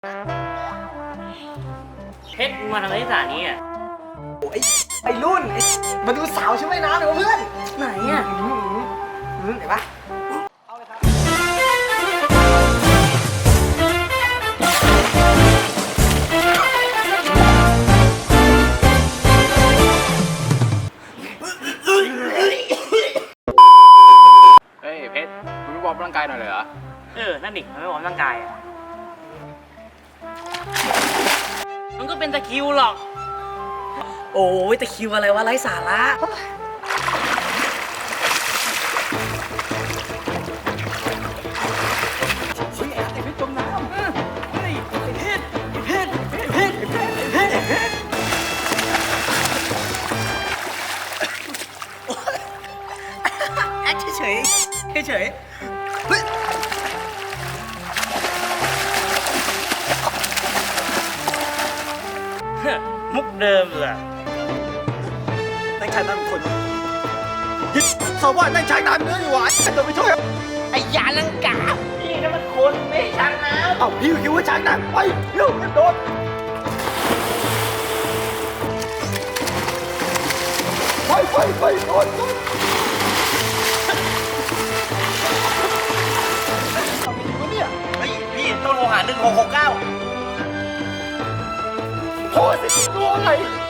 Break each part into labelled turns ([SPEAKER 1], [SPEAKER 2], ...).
[SPEAKER 1] เพชรมาทำอะไรที่สถานีอ่ะ
[SPEAKER 2] ไอ้รุ่นมาดูสาวช่วยน้ำหน่อยเพื่อน
[SPEAKER 1] ไหนอ่ะ
[SPEAKER 2] เห็นปะ
[SPEAKER 3] เฮ้ยเพชรคุณไม่วอร์มร่างกายหน่อยเลยเหรอ
[SPEAKER 1] นั่นดิมันไม่ออกกำลังกายอ่ะมันก็เป็นตะคริวหรอกโอ้ยตะคริวอะไรวะไร้สาระ
[SPEAKER 2] เฮ้ยไอ้เพชรจมน้ำเฮ้ยไอ้เพชรแอคเฉยเฮ้ย
[SPEAKER 1] มุกเดิมเลย
[SPEAKER 2] นั่งชายน้ำคนยึดเขาว่านั่งชายน้ำเนื้ออยู่หวานจะไปช่วยไอ้ยาลังกา
[SPEAKER 1] พี่นั่นมันคนไม่ใช่ช้างน้ำ
[SPEAKER 2] เอ้าพี่คิดว่าชายน้ำไปเร็วโดนไปโดนทำยังไงวะเนี่ย
[SPEAKER 1] พี่ต้องโทรหา1669
[SPEAKER 2] โทษสิตัวอะไร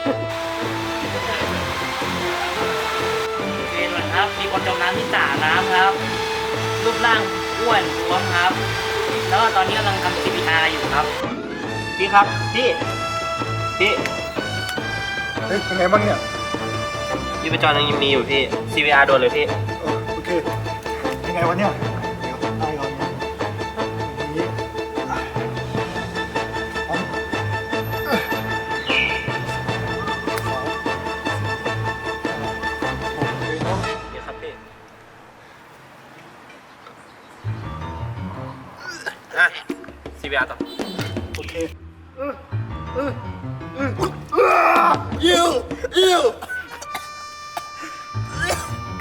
[SPEAKER 1] เห็นไหมครับมีคนจมน้ำที่สระน้ำครับรูปร่างอ้วนท้วมครับแล้วก็ตอนนี้กำลังทำ CPR อยู่ครับพี่ครับพี่
[SPEAKER 2] เฮ้ยเป็นไงบ้างเนี่ย
[SPEAKER 1] ยูปจรยังมีอยู่พี่ CPR โดนเลยพี่
[SPEAKER 2] โอเคยังไงวะเนี่ยเดี๋ยวได้ก่อนนะนี้
[SPEAKER 1] เดี๋ยวครับพี่CPR ต่อ
[SPEAKER 2] โอเคยิว